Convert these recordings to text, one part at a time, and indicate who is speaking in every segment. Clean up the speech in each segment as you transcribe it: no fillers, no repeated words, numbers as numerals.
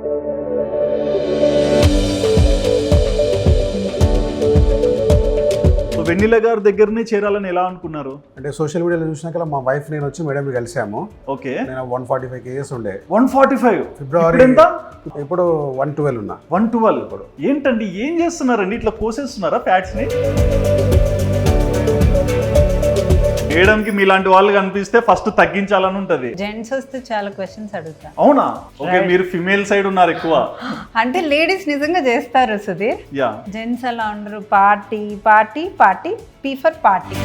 Speaker 1: వెన్నెల గారి దగ్గరనే చేరాలని ఎలా అనుకున్నారు?
Speaker 2: అంటే సోషల్ మీడియాలో చూసినాక మా వైఫ్ నేను వచ్చి మేడం కలిసాము.
Speaker 1: ఓకే.
Speaker 2: నేను 145 kgs ఉండే.
Speaker 1: 145
Speaker 2: ఫిబ్రవరి
Speaker 1: ఎంత?
Speaker 2: ఇప్పుడు 112 ఉన్నా.
Speaker 1: 112 ఇప్పుడు ఏంటండి, ఏం చేస్తున్నారండి? ఇట్లా కోసేస్తున్నారా ఫ్యాట్స్ ని? మేడంకి మీలాంటి వాళ్ళు కనిపిస్తే ఫస్ట్ తగ్గించాలని ఉంటది.
Speaker 3: జెంట్స్ వస్తే చాలా క్వశ్చన్స్ అడుగుతా.
Speaker 1: అవునా? ఓకే, మీరు ఫిమేల్ సైడ్ ఉన్నారు ఎక్కువ.
Speaker 3: అంటే లేడీస్ నిజంగా చేస్తారు సుధీర్.
Speaker 1: యా.
Speaker 3: జెంట్స్ అలా ఉండరు. Party party party, P for party.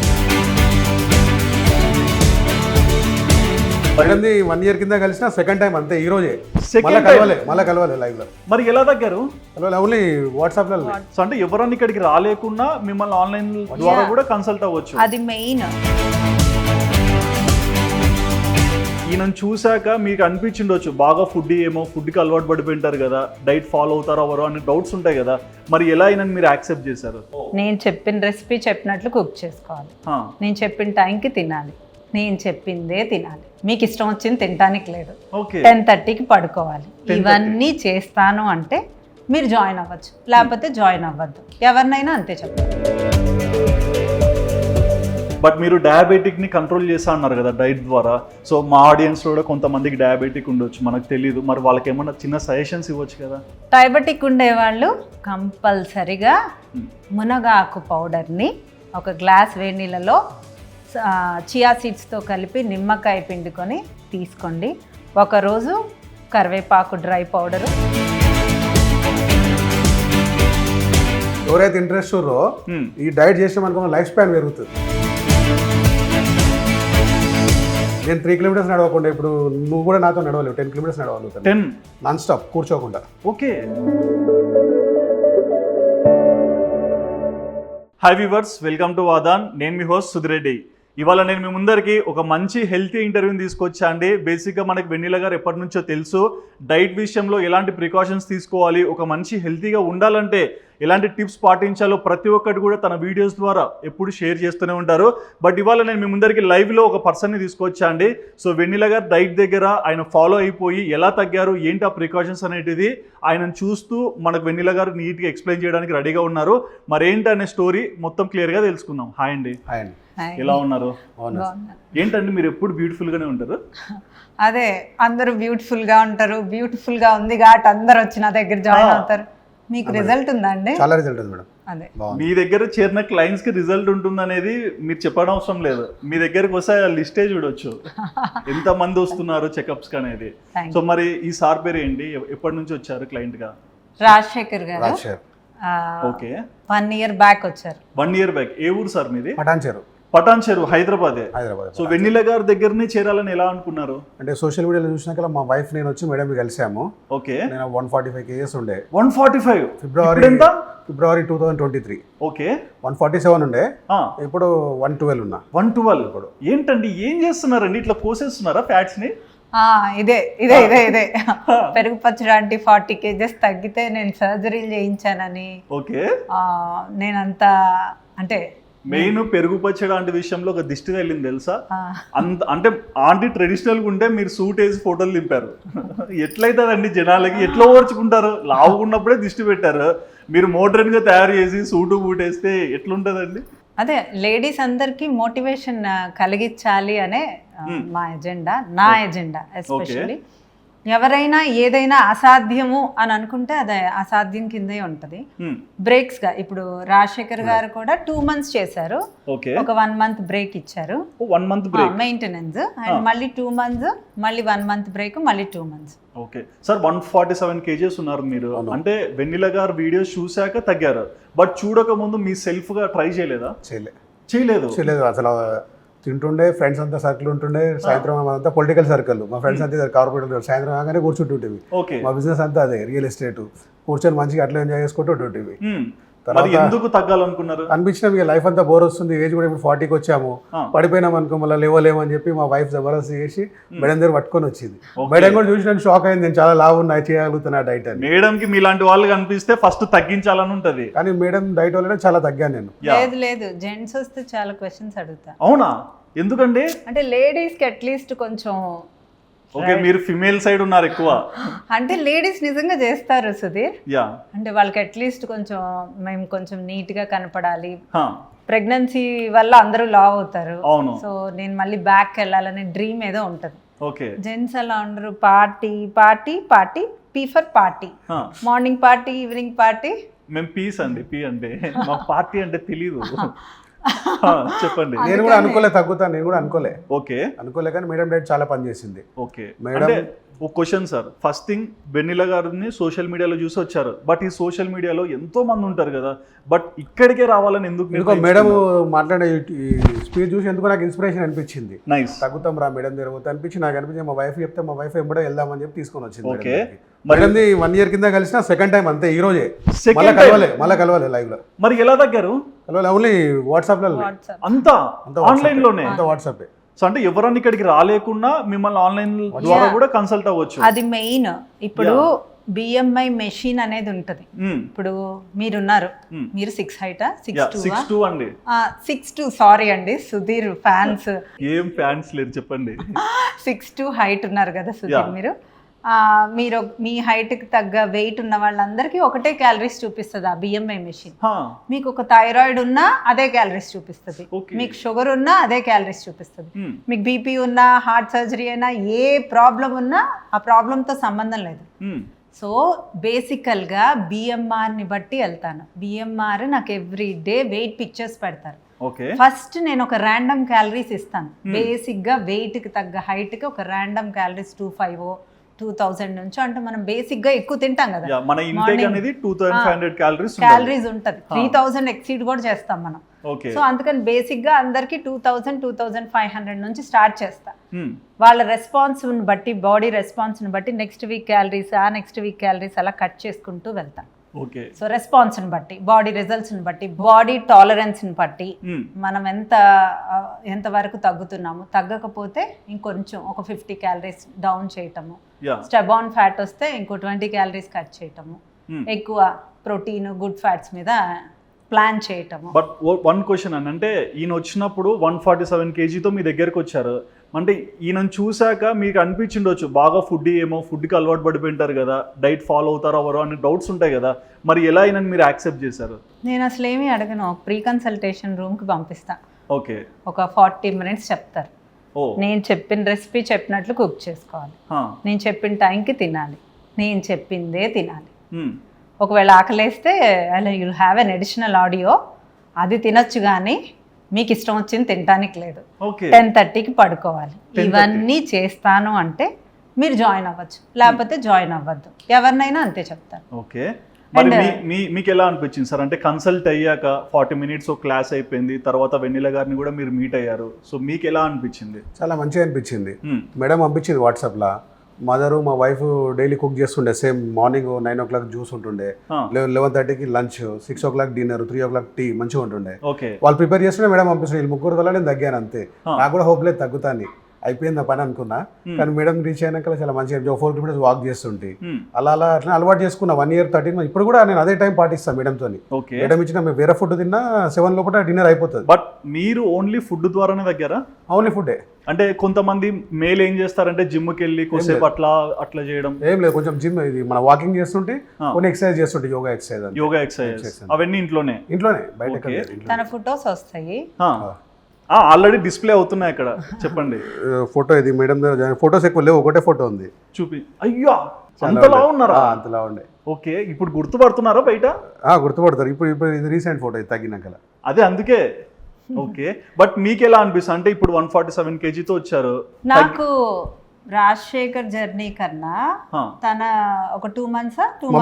Speaker 2: మేడంది 1 year కింద కలిసిన సెకండ్ టైం అంతే, ఈ రోజే.
Speaker 1: Second
Speaker 2: మళ్ళీ కలవాలి లైవ్ లో.
Speaker 1: మరి ఎలా తగ్గారు?
Speaker 2: ఓన్లీ వాట్సాప్ లో.
Speaker 1: సో అంటే ఎవరన్నా ఇక్కడికి రాలేకున్నా మిమ్మల్ని ఆన్లైన్ ద్వారా కూడా కన్సల్ట్ అవ్వచ్చు.
Speaker 3: అది మెయిన్.
Speaker 1: ఈయనను చూశాక మీకు అనిపించిండొచ్చు బాగా ఫుడ్ ఏమో, ఫుడ్కి అలవాటు పడిపోయింటారు కదా, డైట్ ఫాలో అవుతారో ఎవరో అనే డౌట్స్ ఉంటాయి కదా, మరి ఎలా ఈయనని మీరు యాక్సెప్ట్ చేశారు?
Speaker 3: నేను చెప్పిన రెసిపీ చెప్పినట్లు కుక్ చేసుకోవాలి. నేను చెప్పిన టైంకి తినాలి. నేను చెప్పిందే తినాలి. మీకు ఇష్టం వచ్చింది తినడానికి లేదు. 10:30కి పడుకోవాలి. ఇవన్నీ చేస్తాను అంటే మీరు జాయిన్ అవ్వచ్చు, లేకపోతే జాయిన్ అవ్వద్దు. ఎవరినైనా అంతే చెప్పాలి.
Speaker 1: బట్ మీరు డయాబెటిక్ ని కంట్రోల్ చేస్తా అన్నారు కదా డైట్ ద్వారా. సో మా ఆడియన్స్ లో కూడా కొంతమందికి డయాబెటిక్ ఉండొచ్చు, మనకు తెలియదు. మరి వాళ్ళకి ఏమన్నా చిన్న సజెషన్స్ ఇవ్వచ్చు కదా?
Speaker 3: డయాబెటిక్ ఉండేవాళ్ళు కంపల్సరిగా మునగాకు పౌడర్ని ఒక గ్లాస్ వేడి నీళ్ళలో చియా సీడ్స్తో కలిపి నిమ్మకాయ పిండుకొని తీసుకోండి. ఒకరోజు కరివేపాకు డ్రై పౌడరు.
Speaker 2: ఎవరైతే ఇంట్రెస్ట్ ఉన్నారో ఈ డైట్ చేస్తే మనకు లైఫ్ స్పాన్ పెరుగుతుంది. నేను 3 kilometers నడవకుండా ఇప్పుడు నువ్వు కూడా నాతో నడవలేవు. 10 kilometers నడవగలుగుతాను.
Speaker 1: 10
Speaker 2: నాన్ స్టాప్ కూర్చోకుండా.
Speaker 1: Okay. Hi viewers, welcome to Vadaan. నేను మీ హోస్ట్ సుధిరెడ్డి. ఇవాళ నేను మీ ముందరికి ఒక మంచి హెల్తీ ఇంటర్వ్యూని తీసుకొచ్చా అండి. బేసిక్గా మనకి వెన్నెల గారు ఎప్పటి నుంచో తెలుసు, డైట్ విషయంలో ఎలాంటి ప్రికాషన్స్ తీసుకోవాలి, ఒక మంచి హెల్తీగా ఉండాలంటే ఎలాంటి టిప్స్ పాటించాలో ప్రతి ఒక్కటి కూడా తన వీడియోస్ ద్వారా ఎప్పుడు షేర్ చేస్తూనే ఉంటారు. బట్ ఇవాళ నేను మీ ముందరికి లైవ్లో ఒక పర్సన్ని తీసుకొచ్చా అండి. సో వెన్నెల గారు డైట్ దగ్గర ఆయన ఫాలో అయిపోయి ఎలా తగ్గారు, ఏంటి ఆ ప్రికాషన్స్ అనేటిది ఆయనను చూస్తూ మనకు వెన్నెల గారు నీట్గా ఎక్స్ప్లెయిన్ చేయడానికి రెడీగా ఉన్నారు. మరేంటి అనే స్టోరీ మొత్తం క్లియర్గా తెలుసుకుందాం. హాయ్ అండి.
Speaker 2: హాయ్ అండి.
Speaker 1: ఎలా ఉన్నారు? ఏంటండి మీరు ఎప్పుడు బ్యూటిఫుల్ గానే ఉంటారు?
Speaker 3: అదే, అందరూ బ్యూటిఫుల్ గా ఉంటారు. బ్యూటిఫుల్ గా ఉంది కాబట్టి అందరు వచ్చి నా దగ్గర జాయిన్ అవుతారు. మీకు రిజల్ట్ ఉందా అండి?
Speaker 2: చాలా రిజల్ట్ ఉంది మేడం.
Speaker 3: అదే,
Speaker 1: మీ దగ్గర చేరిన క్లయింట్స్ కి రిజల్ట్ ఉంటుంది అనేది మీరు చెప్పడం అవసరం లేదు. మీ దగ్గరకు వస్తే లిస్టే చూడొచ్చు ఎంత మంది వస్తున్నారు చెకప్స్ అనేది. సో మరి ఈ సార్ పేరు ఏంటి, ఎప్పటి నుంచి వచ్చారు క్లయింట్ గా?
Speaker 3: రాజశేఖర్ గారు.
Speaker 1: ఓకే.
Speaker 3: 1 year బ్యాక్ వచ్చారు.
Speaker 1: 1 year బ్యాక్. ఏ ఊరు సార్ మీది?
Speaker 2: పటాన్ చెరు,
Speaker 1: హైదరాబాద్. సో వెన్నెల గారి దగ్గరనే చేరాలని ఎలా అనుకున్నారు?
Speaker 2: అంటే సోషల్ మీడియాలో చూసినాక మా వైఫ్ నేను వచ్చి మేడం కలిసాము.
Speaker 1: ఓకే.
Speaker 2: నేను 145 kgs ఉండే.
Speaker 1: 145
Speaker 2: ఫిబ్రవరి 2023.
Speaker 1: ఓకే.
Speaker 2: 147 ఉండే. ఇప్పుడు 112 ఉన్నా.
Speaker 1: 112 ఇప్పుడు ఏంటండి, ఏం చేస్తున్నారండి? ఇట్లా కోసేస్తున్నారా ఫ్యాట్స్ ని?
Speaker 3: ఇదే పెరుగు పచ్చడి 40 kgs తగ్గితే నేను సర్జరీలు చేయించానని.
Speaker 1: ఓకే.
Speaker 3: నేనంతా అంటే
Speaker 1: మెయిన్ పెరుగు పచ్చడి లాంటి విషయంలో ఒక దిష్టి వెళ్ళింది తెలుసా? అంటే ఆంటీ ట్రెడిషనల్ గా ఉంటే మీరు సూట్ వేసి ఫోటోలు దింపారు. ఎట్లయితుందండి జనాలకి, ఎట్లా ఓర్చుకుంటారు? లావుకున్నప్పుడే దిష్టి పెట్టారు, మీరు మోడర్న్ గా తయారు చేసి సూటు బూట్ వేస్తే ఎట్లుంటదండి?
Speaker 3: అదే, లేడీస్ అందరికి మోటివేషన్ కలిగించాలి అనే మా ఎజెండా, నా ఎజెండా. ఎస్పెషల్లీ ఎవరైనా ఏదైనా అసాధ్యము అని అనుకుంటే అది అసాధ్యం కిందే ఉంటది. బ్రేక్స్ గా ఇప్పుడు రాజశేఖర్ గారు కూడా 2 months చేశారు. ఒక 1 month బ్రేక్ ఇచ్చారు.
Speaker 1: 1 month బ్రేక్
Speaker 3: మెయింటెనెన్స్, అండ్ మళ్ళీ 2 months, మళ్ళీ 1 month బ్రేక్, మళ్ళీ 2 months.
Speaker 1: ఓకే సార్, 147 kgs ఉన్నారు మీరు. అంటే వెన్నెల గారు వీడియోస్ చూశాక తగ్గారు, బట్ చూడక ముందు మీ సెల్ఫ్ గా ట్రై చేయలేదా? చేయలేదు
Speaker 2: అసలు. తింటుండే, ఫ్రెండ్స్ అంతా సర్కిల్ ఉంటుండే. సాయంత్రం అంతా పొలిటికల్ సర్కిల్, మా ఫ్రెండ్స్ అంతా కార్పొరేట్. సాయంత్రం కాగానే కూర్చుంటుంటేవి. మా బిజినెస్ అంతా అదే, రియల్ ఎస్టేట్. కూర్చొని మంచిగా అట్లా ఎంజాయ్ చేసుకుంటూ ఉంటుంటేవి.
Speaker 1: ఎందుకు తగ్గాలనుకున్నారు
Speaker 2: అనిపించినాం. ఇక లైఫ్ అంతా బోర్ వస్తుంది, ఏజ్ కూడా ఇప్పుడు 40కి వచ్చాము, పడిపోయినాం అనుకో, మళ్ళీ లేవలేమని చెప్పి మా వైఫ్ జబర్దస్త్ చేసి మేడం దగ్గర పట్టుకొని వచ్చింది. మేడం కూడా చూసి నన్ను షాక్ అయింది, నేను చాలా లావు ఉన్నాయి, చేయగలుగుతున్నా డైట్ అని.
Speaker 1: మేడం కి మీలాంటి వాళ్ళు కనిపిస్తే ఫస్ట్ తగ్గించాలని ఉంటది,
Speaker 2: కానీ మేడం డైట్ వల్లనే చాలా తగ్గాను నేను.
Speaker 3: లేదు, జెంట్స్ వస్తే చాలా క్వశ్చన్స్ అడుగుతా.
Speaker 1: అవునా? ఎందుకండి?
Speaker 3: అంటే లేడీస్ కి అట్లీస్ట్ కొంచెం
Speaker 1: ఓకే, మీరు ఫిమేల్ సైడ్ ఉన్నారు ఎక్కువ.
Speaker 3: అంటే లేడీస్ నిజంగా చేస్తారు సుధీర్.
Speaker 1: యా,
Speaker 3: అంటే వాళ్ళకి అట్లీస్ట్ కొంచెం మేము కొంచెం నీట్గా కనపడాలి. ప్రెగ్నెన్సీ వల్ల అందరూ లావ్ అవుతారు.
Speaker 1: అవును.
Speaker 3: సో నేను మళ్ళీ బ్యాక్ వెళ్ళాలనే డ్రీమ్ ఏదో ఉంటుంది.
Speaker 1: ఓకే,
Speaker 3: జెంట్స్ అలా ఉండరు, party party party, P for party, morning party, evening party.
Speaker 1: మేము పీస్ అండి, పీ అంటే మాకు పార్టీ అంటే తెలీదు. చెప్పండి.
Speaker 2: నేను కూడా అనుకోలే తగ్గుతాను, నేను కూడా
Speaker 1: ఓకే
Speaker 2: అనుకోలే కానీ మేడం డైట్ చాలా పని చేసింది.
Speaker 1: ఓకే
Speaker 2: మేడం
Speaker 1: అంటే ఒక question sir, first thing Vennela గారిని సోషల్ మీడియాలో చూసి వచ్చారు, బట్ ఈ సోషల్ మీడియాలో ఎంతో మంది ఉంటారు కదా, బట్ ఇక్కడికే రావాలని ఎందుకు?
Speaker 2: మేడం మాట్లాడే స్పీచ్ చూసి ఎందుకు నాకు ఇన్స్పిరేషన్ అనిపించింది.
Speaker 1: నైస్,
Speaker 2: తగ్గుతాం రా మేడం దగ్గర అనిపించి నాకు అనిపించింది. మా వైఫ్ చెప్తే మా వైఫ్ ఎంబడే వెళ్దామని చెప్పి తీసుకొని వచ్చింది.
Speaker 1: ఓకే,
Speaker 2: మేడంది 1 year కింద కలిసిన సెకండ్ టైం అంతే, ఈ రోజే మళ్ళీ కలవాలి లైవ్ లో.
Speaker 1: మరి ఎలా తగ్గారు?
Speaker 2: కలవాలి ఓన్లీ వాట్సాప్ లో,
Speaker 1: అంతా ఆన్లైన్ లోనే,
Speaker 2: అంతా వాట్సాప్.
Speaker 1: సో అంటే ఎవరన్నా ఇక్కడికి రాలేకుండా మిమ్మల్ని ఆన్లైన్ ద్వారా కూడా కన్సల్ట్ అవ్వచ్చు.
Speaker 3: అది మెయిన్. ఇప్పుడు బిఎంఐ మెషిన్ అనేది ఉంటది. ఇప్పుడు మీరున్నారు, మీరు 6 height,
Speaker 1: 6'2" అండి.
Speaker 3: 6'2", సారీ అండి సుధీర్ ఫ్యాన్స్.
Speaker 1: ఏం ఫ్యాన్స్ లేరు చెప్పండి.
Speaker 3: 6'2" హైట్ ఉన్నారు కదా సుధీర్ మీరు. మీరు మీ హైట్కి తగ్గ వెయిట్ ఉన్న వాళ్ళందరికీ ఒకటే క్యాలరీస్ చూపిస్తుంది ఆ బిఎంఐ మెషిన్. మీకు ఒక థైరాయిడ్ ఉన్నా అదే క్యాలరీస్ చూపిస్తుంది, మీకు షుగర్ ఉన్నా అదే క్యాలరీస్ చూపిస్తుంది, మీకు బీపీ ఉన్నా, హార్ట్ సర్జరీ అయినా, ఏ ప్రాబ్లం ఉన్నా ఆ ప్రాబ్లంతో సంబంధం లేదు. సో బేసికల్గా బిఎంఆర్ని బట్టి వెళ్తాను. బిఎంఆర్ నాకు ఎవ్రీ డే వెయిట్ పిక్చర్స్ పెడతారు. ఫస్ట్ నేను ఒక ర్యాండమ్ క్యాలరీస్ ఇస్తాను. బేసిక్గా వెయిట్కి తగ్గ హైట్కి ఒక ర్యాండమ్ క్యాలరీస్ 2500, 2000 నుంచి, అంటే మనం బేసిక్ గా ఎక్కువ తింటాం కదా,
Speaker 1: మన ఇంటేక్ అనేది 2500
Speaker 3: క్యాలరీస్ ఉంటది. 3000 ఎక్సీడ్ కూడా చేస్తాం మనం. సో అందుకని బేసిక్ గా అందరికి 2000, 2500 నుంచి స్టార్ట్ చేస్తా. వాళ్ళ రెస్పాన్స్ బట్టి, బాడీ రెస్పాన్స్ బట్టి నెక్స్ట్ వీక్ క్యాలరీస్, ఆ నెక్స్ట్ వీక్ క్యాలరీస్ అలా కట్ చేసుకుంటూ వెళ్తాం. సో రెస్పాన్స్ ని బట్టి, బాడీ రిజల్ట్స్ ని బట్టి, బాడీ టాలరెన్స్ ని బట్టి మనం ఎంత వరకు తగ్గుతున్నాము, తగ్గకపోతే ఇంకొంచెం ఒక 50 calories డౌన్ చేయటము, స్టెబాన్ ఫ్యాట్ వస్తే ఇంకో 20 calories కట్ చేయటము, ఎక్కువ ప్రోటీన్, గుడ్ ఫ్యాట్స్ మీద ప్లాన్ చేయటము.
Speaker 1: బట్ వన్ క్వశ్చన్ అని అంటే, ఈయన వచ్చినప్పుడు 147 kgతో మీ దగ్గరకు వచ్చారు అంటే, ఈయనను చూశాక మీకు అనిపించిండొచ్చు బాగా ఫుడ్ ఏమో, ఫుడ్కి అలవాటు పడిపోయింటారు కదా, డైట్ ఫాలో అవుతారో ఎవరో అనే డౌట్స్ ఉంటాయి కదా, మరి ఎలా ఈయనని మీరు యాక్సెప్ట్ చేశారు?
Speaker 3: నేను అసలు ఏమీ అడగను, ప్రీ కన్సల్టేషన్ రూమ్కి పంపిస్తా.
Speaker 1: ఓకే,
Speaker 3: ఒక 40 minutes చెప్తారు. నేను చెప్పిన రెసిపీ చెప్పినట్లు కుక్ చేసుకోవాలి, నేను చెప్పిన టైంకి తినాలి, నేను చెప్పిందే తినాలి. ఒకవేళ ఆకలేస్తే అలా you'll have an additional audio, అది తినొచ్చు కానీ మీకు ఇష్టం వచ్చింది తినడానికి లేదు. 10:30కి పడుకోవాలి. ఇవన్నీ చేస్తాను అంటే మీరు జాయిన్ అవ్వచ్చు, లేకపోతే జాయిన్ అవ్వద్దు. ఎవరినైనా అంతే చెప్తాను.
Speaker 1: ఓకే, మీకు ఎలా అనిపించింది సార్? అంటే కన్సల్ట్ అయ్యాక 40 minutes ఒక క్లాస్ అయిపోయింది, తర్వాత వెన్నెల గారిని కూడా మీరు మీట్ అయ్యారు. సో మీకు ఎలా అనిపించింది?
Speaker 2: చాలా మంచిగా అనిపించింది. మేడం పంపించింది వాట్సాప్లో. మదరు మా వైఫ్ డైలీ కుక్ చేస్తుండే. సేమ్ మార్నింగ్ 9 o'clock జ్యూస్ ఉంటుండే, 11:30కి lunch, 6 o'clock dinner, 3 o'clock tea, మంచిగా ఉంటుండే. వాళ్ళు ప్రిపేర్ చేస్తుండే, మేడం పంపిస్తుండే. వీళ్ళు ముగ్గురు వల్ల నేను తగ్గాను అంతే. నాకు కూడా హోప్ లేదు తగ్గుతాను, అయిపోయింది ఆ పని అనుకున్నా. కానీ మేడం రీచ్ అయినాక చాలా మంచిగా 4 kilometers వాక్ చేస్తుంటే అలా అట్లా అలవాటు చేసుకున్నా. 1 year 13 months. ఇప్పుడు కూడా నేను అదే టైం పాటిస్తాను మేడంతో. మేడం ఇచ్చిన మేము వేరే ఫుడ్ తిన్నా 7 లోపల డిన్నర్ అయిపోతుంది.
Speaker 1: బట్ మీరు ఓన్లీ ఫుడ్ ద్వారానే తగ్గారా?
Speaker 2: ఓన్లీ ఫుడ్డే.
Speaker 1: అంటే కొంతమంది మేల్ ఏం చేస్తారంటే జిమ్కి వెళ్ళి కొద్దిసేపు అట్లా చేయడం
Speaker 2: ఏం లేదు, కొంచెం జిమ్ ఇది మన వాకింగ్ చేస్తుంటే కొన్ని ఎక్సర్సైజ్ చేస్తుంటే, యోగా ఎక్సర్సైజ్ అవన్నీ ఇంట్లోనే బయట.
Speaker 3: తన ఫోటోస్ వస్తాయి,
Speaker 1: ఆల్రెడీ డిస్ప్లే అవుతున్నాయి అక్కడ. చెప్పండి.
Speaker 2: ఫోటో ఇది మేడం దగ్గర ఫోటోస్ ఎక్కువ లేవు, ఒకటే ఫోటో ఉంది.
Speaker 1: చూపి. అయ్యో, అంతలా ఉన్నారా?
Speaker 2: అంతలా ఉండే.
Speaker 1: ఓకే, ఇప్పుడు గుర్తుపడుతున్నారా బయట?
Speaker 2: గుర్తుపడతారు. ఇప్పుడు ఇది రీసెంట్ ఫోటో, ఇది తగ్గినాక.
Speaker 1: అదే అందుకే. ఓకే, బట్ మీకు ఎలా అనిపిస్తుంది? అంటే ఇప్పుడు 147 kgతో వచ్చారు.
Speaker 3: నాకు రాజశేఖర్ జర్నీ కన్నా తన ఒక 2 months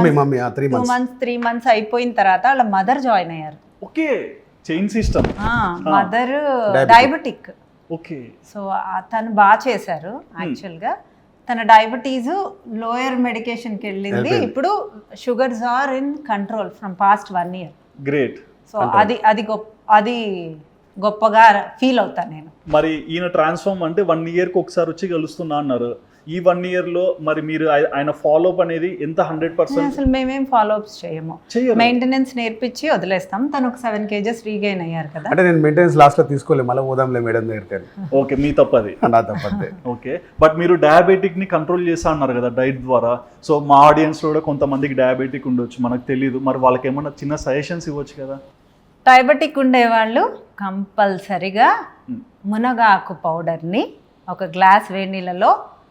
Speaker 3: 3 months అయిపోయిన తర్వాత వాళ్ళ మదర్ జాయిన్ అయ్యారు.
Speaker 1: Okay, chain system.
Speaker 3: Mother diabetic.
Speaker 1: Okay,
Speaker 3: so తను బాగా చేశారు. యాక్చువల్గా తన డయాబెటీస్ లోయర్ మెడికేషన్కి వెళ్ళింది. ఇప్పుడు sugars are in control from past 1 year.
Speaker 1: Great.
Speaker 3: So అది గొప్పగా ఫీల్ అవుతాను నేను.
Speaker 1: మరి ఈయన ట్రాన్స్ఫార్మ్ అంటే 1 yearకి ఒకసారి వచ్చి కలుస్తున్నా అన్నారు. ఈ 1 yearలో మరి మీరు ఆయన ఫాలోఅప్ అనేది ఎంత 100%?
Speaker 3: అసలు మేమేం ఫాలోఅప్స్ చేయము,
Speaker 1: చెయ్యరు.
Speaker 3: మెయింటెనెన్స్ నేర్పించి వదిలేస్తాం. తను ఒక 7 kgs రీగైన్ అయ్యారు కదా.
Speaker 2: అంటే నేను మెయింటెనెన్స్ లాస్ట్లో తీసుకోలేదు, మళ్ళీ పోదాంలే మేడం దగ్గరికి అని.
Speaker 1: ఓకే, మీ తప్పది.
Speaker 2: నా తప్పతే.
Speaker 1: ఓకే, బట్ మీరు డయాబెటిక్ ని కంట్రోల్ చేస్తా అన్నారు కదా డైట్ ద్వారా. సో మా ఆడియన్స్ లో కూడా కొంతమందికి డయాబెటిక్ ఉండొచ్చు, మనకు తెలియదు. మరి వాళ్ళకి ఏమన్నా చిన్న సజెషన్స్ ఇవ్వచ్చు కదా?
Speaker 3: డయాబెటిక్ ఉండేవాళ్ళు కంపల్సరిగా మునగాకు పౌడర్ని ఒక గ్లాస్ వేడి నీళ్ళలో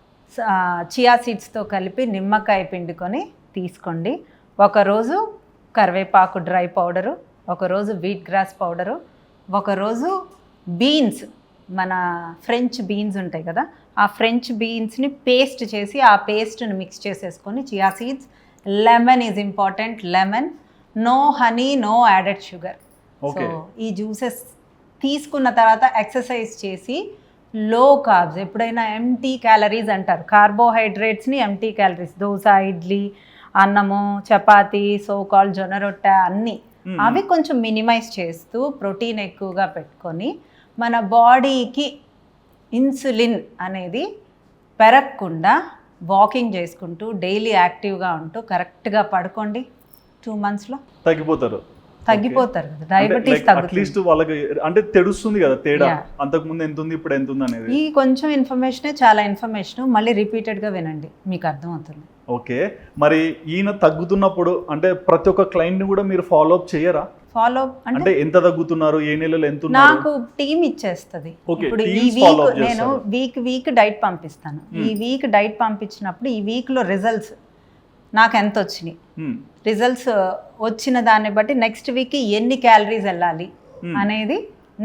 Speaker 3: చియా సీడ్స్తో కలిపి నిమ్మకాయ పిండుకొని తీసుకోండి. ఒకరోజు కరివేపాకు డ్రై పౌడరు, ఒకరోజు వీట్ గ్రాస్ పౌడరు, ఒకరోజు బీన్స్, మన ఫ్రెంచ్ బీన్స్ ఉంటాయి కదా, ఆ ఫ్రెంచ్ బీన్స్ని పేస్ట్ చేసి ఆ పేస్ట్ని మిక్స్ చేసేసుకొని chia seeds, lemon is important, lemon, no honey, no added sugar. So ఈ జ్యూసెస్ తీసుకున్న తర్వాత ఎక్సర్సైజ్ చేసి లో కార్బ్స్, ఎప్పుడైనా ఎంటీ క్యాలరీస్ అంటారు, కార్బోహైడ్రేట్స్ని ఎంటీ క్యాలరీస్, దోశ, ఇడ్లీ, అన్నము, చపాతీ, సో కాల్ జొన్న రొట్టె అన్నీ, అవి కొంచెం మినిమైజ్ చేస్తూ ప్రోటీన్ ఎక్కువగా పెట్టుకొని మన బాడీకి ఇన్సులిన్ అనేది పెరగకుండా వాకింగ్ చేసుకుంటూ డైలీ యాక్టివ్గా ఉంటూ కరెక్ట్గా పడుకోండి. 2 monthsలో తగ్గిపోతారు కదా, డయాబెటీస్ తగ్గుతుంది.
Speaker 1: అట్లీస్ట్ వాళ్ళకి అంటే తెలుస్తుంది కదా తేడా, అంతకు ముందు ఎంత ఉంది ఇప్పుడు ఎంత ఉంది అనేది.
Speaker 3: ఈ కొంచెం ఇన్ఫర్మేషనే చాలా ఇన్ఫర్మేషన్, మళ్ళీ రిపీటెడ్గా వినండి, మీకు అర్థమవుతుంది.
Speaker 1: ఓకే, మరి ఈయన తగ్గుతున్నప్పుడు అంటే ప్రతి ఒక్క క్లయింట్ ని కూడా మీరు ఫాలో అప్ చేయరా?
Speaker 3: ఫాలో
Speaker 1: అంటే ఎంత తగ్గుతున్నారు, ఏ నెలలో ఎంత ఉన్నారు?
Speaker 3: నాకు టీమ్ ఇచ్చేస్తుంది. ఇప్పుడు ఈ వీక్ నేను వీక్ డైట్ పంపిస్తాను. ఈ వీక్ డైట్ పంపించినప్పుడు ఈ వీక్లో రిజల్ట్స్ నాకు ఎంత వచ్చినాయి, రిజల్ట్స్ వచ్చిన దాన్ని బట్టి నెక్స్ట్ వీక్కి ఎన్ని క్యాలరీస్ వెళ్ళాలి అనేది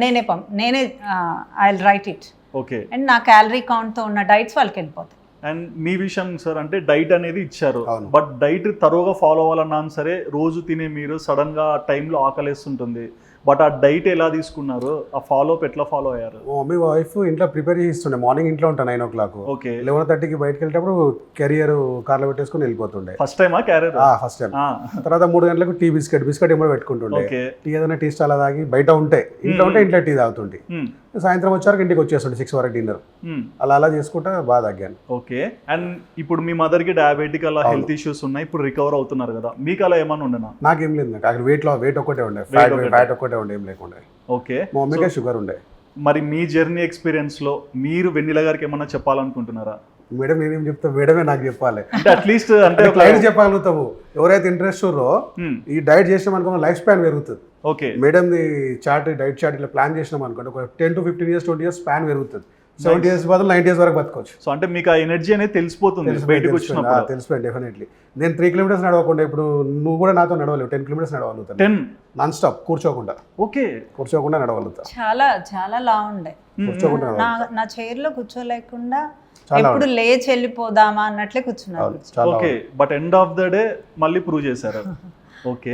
Speaker 3: నేనే I will write it.
Speaker 1: Okay,
Speaker 3: and నా క్యాలరీ కౌంట్తో ఉన్న డైట్స్ వాళ్ళకి వెళ్ళిపోతాయి.
Speaker 1: అండ్ మీ విషయం సార్, అంటే డైట్ అనేది ఇచ్చారు, బట్ డైట్ తరువుగా ఫాలో అవ్వాలన్నా సరే రోజు తినే మీరు సడన్ గా ఆ టైంలో ఆకలేస్తుంటుంది, బట్ ఆ డైట్ ఎలా తీసుకున్నారు, ఆ ఫాలో అప్ ఎట్లా ఫాలో అయ్యారు?
Speaker 2: మమ్మీ వైఫ్ ఇంట్లో ప్రిపేర్ చేస్తుండే, మార్నింగ్ ఇంట్లో ఉంటాను 9 o'clock.
Speaker 1: ఓకే,
Speaker 2: 11:30కి బయటకు వెళ్ళేటప్పుడు కెరియర్ కార్లో పెట్టేసుకుని వెళ్ళిపోతుండే.
Speaker 1: ఫస్ట్ టైమా క్యారియర్?
Speaker 2: First time. తర్వాత 3 గంటలకు టీ బిస్కెట్ ఏమో పెట్టుకుంటుండే. టీ ఏదైనా టీ స్టాల్ తాగి, బయట ఉంటే ఇంట్లో టీ తాగుతుండే. సాయంత్రం వచ్చాక ఇంటికి వచ్చేస్తుండే 6 వరకు డిన్నర్. అలా చేసుకుంటా బాగా తగ్గాను.
Speaker 1: ఓకే, అండ్ ఇప్పుడు మీ మదర్ కి డయాబెటిక్ అలా హెల్త్ ఇష్యూస్ ఉన్నాయి, ఇప్పుడు రికవర్ అవుతున్నారు కదా, మీకు అలా ఏమన్నా ఉండేనా?
Speaker 2: నాకేం లేదు, నాకు అక్కడ వెయిట్ ఒక్కటే ఉండే, ఫ్యాట్ ఒక్కటే ఉండే, ఏం లేకుండే.
Speaker 1: ఓకే,
Speaker 2: మా మమ్మీకే షుగర్ ఉండే.
Speaker 1: మరి మీ జర్నీ ఎక్స్పీరియన్స్ లో మీరు వెన్నెల గారికి ఏమన్నా చెప్పాలనుకుంటున్నారా?
Speaker 2: మేడం నేనేం చెప్తా, మేడమే నాకు చెప్పాలి.
Speaker 1: అంటే అట్లీస్ట్ అంటే
Speaker 2: క్లయింట్ చెప్పగలుగుతాము. ఎవరైతే ఇంట్రెస్ట్ ఉన్నారో ఈ డైట్ చేసినాం అనుకో లైఫ్ స్పాన్ పెరుగుతుంది.
Speaker 1: ఓకే,
Speaker 2: మేడం డైట్ చార్ట్ ఇట్లా ప్లాన్ చేసినాం అనుకోండి, ఒక 10 to 15 years 20 years స్పాన్ పెరుగుతుంది. 70 years బదులు 90 years వరకు బతకొచ్చు.
Speaker 1: సో అంటే మీకు ఆ ఎనర్జీ అనేది తెలిసిపోతుంది బయటకు వచ్చినప్పుడు.
Speaker 2: తెలిసిపోయింది డెఫినెట్లీ. నేను 3 kilometers నడవకుండా, ఇప్పుడు నువ్వు కూడా నాతో నడవలేవు, 10 kilometers నడవగలుగుతాను.
Speaker 1: 10
Speaker 2: నాన్ స్టాప్ కూర్చోకుండా.
Speaker 1: ఓకే,
Speaker 2: కూర్చోకుండా నడవగలుగుతా.
Speaker 3: చాలా లా ఉండే,
Speaker 2: కూర్చోకుండా
Speaker 3: నా చైర్లో కూర్చోలేకుండా ఎప్పుడు లేచి వెళ్ళిపోదామా అన్నట్లే కూర్చున్నారు.
Speaker 1: Okay, but end of the day మళ్ళీ ప్రూవ్ చేశారు. ఓకే,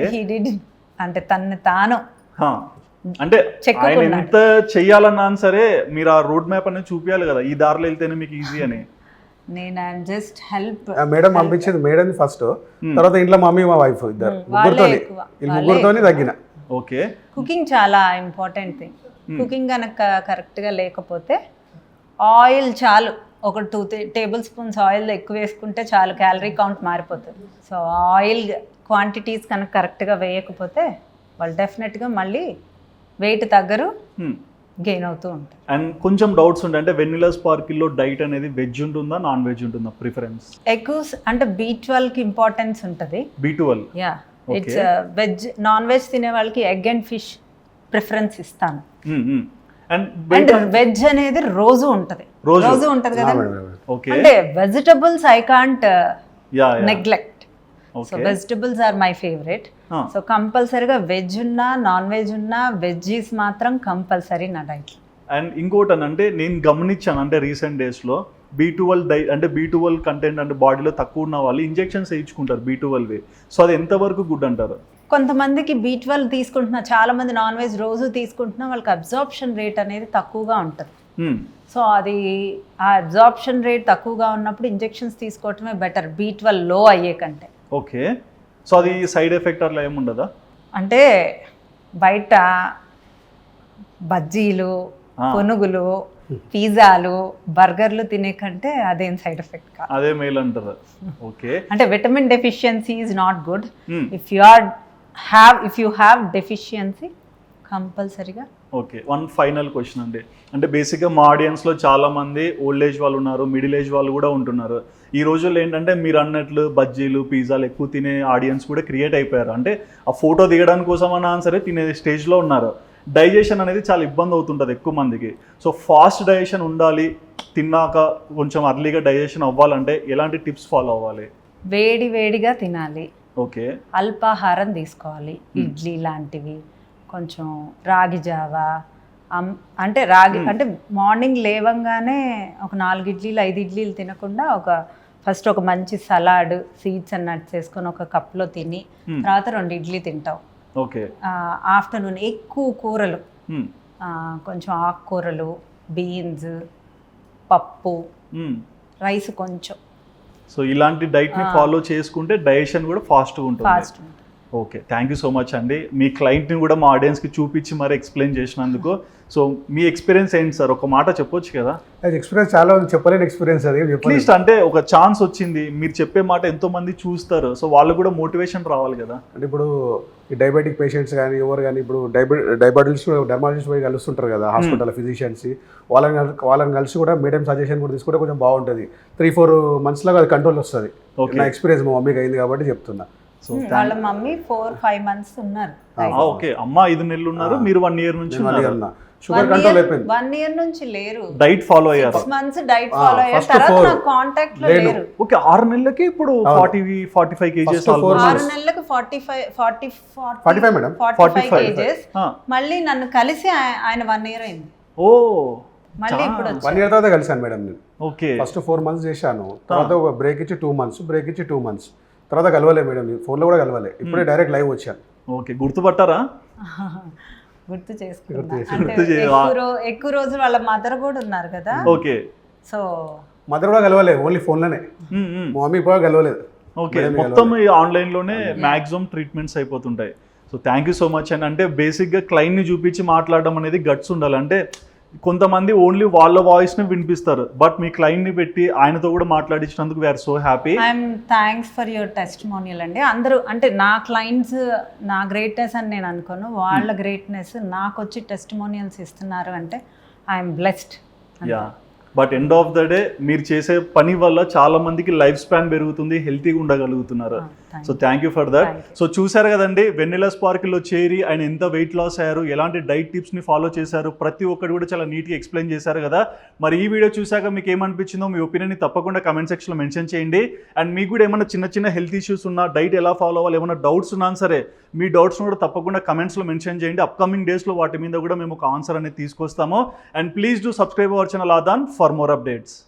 Speaker 3: అంటే తనని తాను
Speaker 1: అంటే ఆయన ఎంత చెయ్యాలన్నా సరే మీరు ఆ రోడ్ మ్యాప్ అనేది చూపించాలి కదా, ఈ దారిలో వెళ్తేనే మీకు ఈజీ అని.
Speaker 3: నేను జస్ట్ హెల్ప్.
Speaker 2: మేడం పంపించింది మేడం ఫస్ట్, తర్వాత ఇంట్లో మమ్మీ మా వైఫ్ ఇద్దరు ముగ్గురితోని తగ్గిన.
Speaker 1: ఓకే,
Speaker 3: కుకింగ్ చాలా ఇంపార్టెంట్ థింగ్. కుకింగ్ కనుక కరెక్ట్గా లేకపోతే ఆయిల్ చాలు, ఒక 2 tablespoons ఆయిల్ ఎక్కువ వేసుకుంటే చాలు, క్యాలరీ కౌంట్ మారిపోతుంది. సో ఆయిల్ క్వాంటిటీస్ కనుక కరెక్ట్గా వేయకపోతే వాళ్ళు డెఫినెట్గా మళ్ళీ వెయిట్ తగ్గరు, గెయిన్ అవుతూ ఉంటారు.
Speaker 1: అండ్ కొంచెం డౌట్స్ ఉంటాయి, అంటే వెనిలా స్పార్కిల్లో డైట్ అనేది వెజ్ ఉంటుందా నాన్ వెజ్ ఉంటుందా ప్రిఫరెన్స్?
Speaker 3: ఎక్కువ అంటే B12కి ఇంపార్టెన్స్ ఉంటుంది.
Speaker 1: B12,
Speaker 3: yeah, it's veg. Non veg తినే వాళ్ళకి ఎగ్ అండ్ ఫిష్ ప్రిఫరెన్స్ ఇస్తాను. అండ్ వెజ్ అనేది రోజు ఉంటుంది కదా. అంటే vegetables I can't neglect. So vegetables are my favourite. So కంపల్సరీగా వెజ్ ఉన్నా నాన్ వెజ్ ఉన్నా వెజ్జీస్ మాత్రం కంపల్సరీ నా డైట్.
Speaker 1: అండ్ ఇంకోటి అంటే నేను గమనించాను, అంటే రీసెంట్ డేస్లో B12 అంటే B12 కంటెంట్ అంటే బాడీలో తక్కువ ఉన్న వాళ్ళు ఇంజెక్షన్స్ వేయించుకుంటారు B12. సో అది ఎంతవరకు గుడ్ అంటారు?
Speaker 3: కొంతమందికి B12 తీసుకుంటున్నా, చాలా మంది నాన్ వెజ్ రోజు తీసుకుంటున్నా, వాళ్ళకి అబ్జార్ప్షన్ రేట్ అనేది తక్కువగా ఉంటుంది. సో అది ఆ అబ్జార్ప్షన్ రేట్ తక్కువగా ఉన్నప్పుడు ఇంజెక్షన్స్ తీసుకోవటమే బెటర్, B12 లో అయ్యే కంటే.
Speaker 1: ఓకే, సో అది సైడ్ ఎఫెక్ట్ అట్లా ఏముండదా?
Speaker 3: అంటే బయట బజ్జీలు, పునుగులు, పిజ్జాలు బర్గర్లు తినే కంటే అదేం సైడ్ ఎఫెక్ట్ కాదు.
Speaker 1: అదే మేల్ అంటారు. ఓకే,
Speaker 3: అంటే vitamin deficiency is not good.
Speaker 1: Hmm.
Speaker 3: If you have deficiency కంపల్సరీగా.
Speaker 1: ఓకే, వన్ ఫైనల్ క్వశ్చన్ అండి. అంటే బేసిక్గా మా ఆడియన్స్లో చాలామంది ఓల్డ్ ఏజ్ వాళ్ళు ఉన్నారు, మిడిల్ ఏజ్ వాళ్ళు కూడా ఉంటున్నారు. ఈ రోజుల్లో ఏంటంటే మీరు అన్నట్లు బజ్జీలు పిజ్జాలు ఎక్కువ తినే ఆడియన్స్ కూడా క్రియేట్ అయిపోయారు. అంటే ఆ ఫోటో దిగడానికి కోసం అన్నా సరే తినే స్టేజ్లో ఉన్నారు. డైజెషన్ అనేది చాలా ఇబ్బంది అవుతుంటుంది ఎక్కువ మందికి. సో ఫాస్ట్ డైజెషన్ ఉండాలి, తిన్నాక కొంచెం అర్లీగా డైజెషన్ అవ్వాలంటే ఎలాంటి టిప్స్ ఫాలో అవ్వాలి?
Speaker 3: వేడి వేడిగా తినాలి.
Speaker 1: ఓకే,
Speaker 3: అల్పాహారం తీసుకోవాలి. ఇడ్లీ లాంటివి, కొంచెం రాగి జావా. అంటే రాగి అంటే మార్నింగ్ లేవంగానే ఒక 4 ఇడ్లీలు 5 ఇడ్లీలు తినకుండా ఫస్ట్ ఒక మంచి సలాడ్ సీడ్స్ అండ్ నట్స్ వేసుకొని ఒక కప్లో తిని తర్వాత 2 ఇడ్లీ తింటావు.
Speaker 1: ఓకే,
Speaker 3: ఆఫ్టర్నూన్ ఎక్కువ కూరలు, కొంచెం ఆకుకూరలు, బీన్స్, పప్పు, రైస్ కొంచెం.
Speaker 1: సో ఇలాంటి డైట్ని ఫాలో చేసుకుంటే డైజెషన్ కూడా ఫాస్ట్గా ఉంటుంది.
Speaker 3: Fast.
Speaker 1: Okay, thank you so much అండి. మీ క్లయింట్ని కూడా మా ఆడియన్స్కి చూపించి మరి ఎక్స్ప్లెయిన్ చేసినందుకు. సో మీ ఎక్స్పీరియన్స్ ఏంటి సార్? ఒక మాట చెప్పొచ్చు కదా.
Speaker 2: అది ఎక్స్పీరియన్స్ చాలా చెప్పలేని ఎక్స్పీరియన్స్ అది.
Speaker 1: అట్లీస్ట్ అంటే ఒక ఛాన్స్ వచ్చింది, మీరు చెప్పే మాట ఎంతో మంది చూస్తారు, సో వాళ్ళు కూడా మోటివేషన్ రావాలి కదా.
Speaker 2: అంటే ఇప్పుడు ఈ డయాబెటిక్ పేషెంట్స్ కానీ ఎవరు కానీ ఇప్పుడు డర్మాలజిస్ట్ పోయి కలుస్తుంటారు కదా హాస్పిటల్ ఫిజిషియన్స్, వాళ్ళని కలిసి కూడా మీడియం సజెషన్ కూడా తీసుకుంటే కొంచెం బాగుంటుంది. 3-4 months లాగా అది కంట్రోల్ వస్తుంది. నా ఎక్స్పీరియన్స్ మా మమ్మీకి అయింది కాబట్టి చెప్తున్నా.
Speaker 3: వాళ్ళ మమ్మీ 4-5 months ఉన్నారు.
Speaker 1: ఓకే, అమ్మ 5 నెలలు ఉన్నారు, మీరు 1 year నుంచి
Speaker 2: షుగర్ కంట్రోల్ అయిపోయింది.
Speaker 3: 1 year నుంచి లేరు,
Speaker 1: డైట్ ఫాలో అయ్యారు.
Speaker 3: 6 months డైట్ ఫాలో అయ్యారు. తర్వాత నా కాంటాక్ట్ లో లేరు.
Speaker 1: ఓకే, 6 నెలలకి ఇప్పుడు 40-45 kgs.
Speaker 3: 6 నెలలకు 45
Speaker 2: మేడం,
Speaker 3: 45 kgs. మళ్ళీ నన్ను కలిసి ఆయన 1 year అయింది.
Speaker 1: ఓ,
Speaker 3: మళ్ళీ ఇప్పుడు
Speaker 2: 1 year తర్వాత కలిసాను మేడం నేను.
Speaker 1: ఓకే,
Speaker 2: ఫస్ట్ 4 months చేశాను, తర్వాత ఒక బ్రేక్ ఇచ్చి 2 months, బ్రేక్ ఇచ్చి 2 months, తర్వాత కలవలే మేడం, ఫోన్లో కూడా కలవలే. ఇప్పుడే డైరెక్ట్ లైవ్ వచ్చాను.
Speaker 1: ఓకే, గుర్తుపట్టారా?
Speaker 3: గుర్తు చేసుకున్నా. అంటే ఎక్కువ రోజులు వాళ్ళ మదర్ కూడా ఉన్నారు కదా.
Speaker 1: ఓకే,
Speaker 3: సో
Speaker 2: మదర్ కూడా కలవలే, ఓన్లీ ఫోన్లోనే. మా మమ్మీ కూడా కలవలేదు.
Speaker 1: ఓకే, మొత్తం ఆన్లైన్లోనే మ్యాక్సిమం ట్రీట్మెంట్స్ అయిపోతుంటాయి. So thank you so much అండి. అంటే బేసిక్గా క్లయింట్ని చూపించి మాట్లాడడం అనేది గట్స్ ఉండాలి. అంటే కొంతమంది ఓన్లీ వాళ్ళ వాయిస్ని వినిపిస్తారు, బట్ మీ క్లయింట్ని పెట్టి ఆయనతో కూడా మాట్లాడించినందుకు we're so happy.
Speaker 3: I'm thanks for your testimonial అండి. అందరూ అంటే నా క్లయింట్స్ నా గ్రేట్నెస్ అని నేను అనుకోను, వాళ్ళ గ్రేట్నెస్ నాకు వచ్చి టెస్టిమోనియల్స్ ఇస్తున్నారు అంటే I'm blessed.
Speaker 1: Yeah, but end of the day మీరు చేసే పని వల్ల చాలా మందికి లైఫ్ స్పాన్ పెరుగుతుంది, హెల్తీగా ఉండగలుగుతున్నారు. So thank you for that. So చూసారు కదండి, వెన్నెలా స్పార్కిల్లో చేరి ఆయన ఎంత వెయిట్ లాస్ అయ్యారు, ఎలాంటి డైట్ టిప్స్ని ఫాలో చేశారు, ప్రతి ఒక్కటి కూడా చాలా నీట్గా ఎక్స్ప్లెయిన్ చేశారు కదా. మరి ఈ వీడియో చూసాక మీకు ఏమనిపించిందో మీ ఒపీనియన్ని తప్పకుండా కమెంట్ సెక్షన్లో మెన్షన్ చేయండి. అండ్ మీకు కూడా ఏమైనా చిన్న హెల్త్ ఇష్యూస్ ఉన్నా, డైట్ ఎలా ఫాలో అవ్వాలి, ఏమైనా డౌట్స్ ఉన్నా సరే మీ డౌట్స్ను కూడా తప్పకుండా కమెంట్స్లో మెన్షన్ చేయండి. అప్కమింగ్ డేస్లో వాటి మీద కూడా మేము ఒక ఆన్సర్ అనేది తీసుకొస్తాము. And please do subscribe our channel Aadhan for more updates.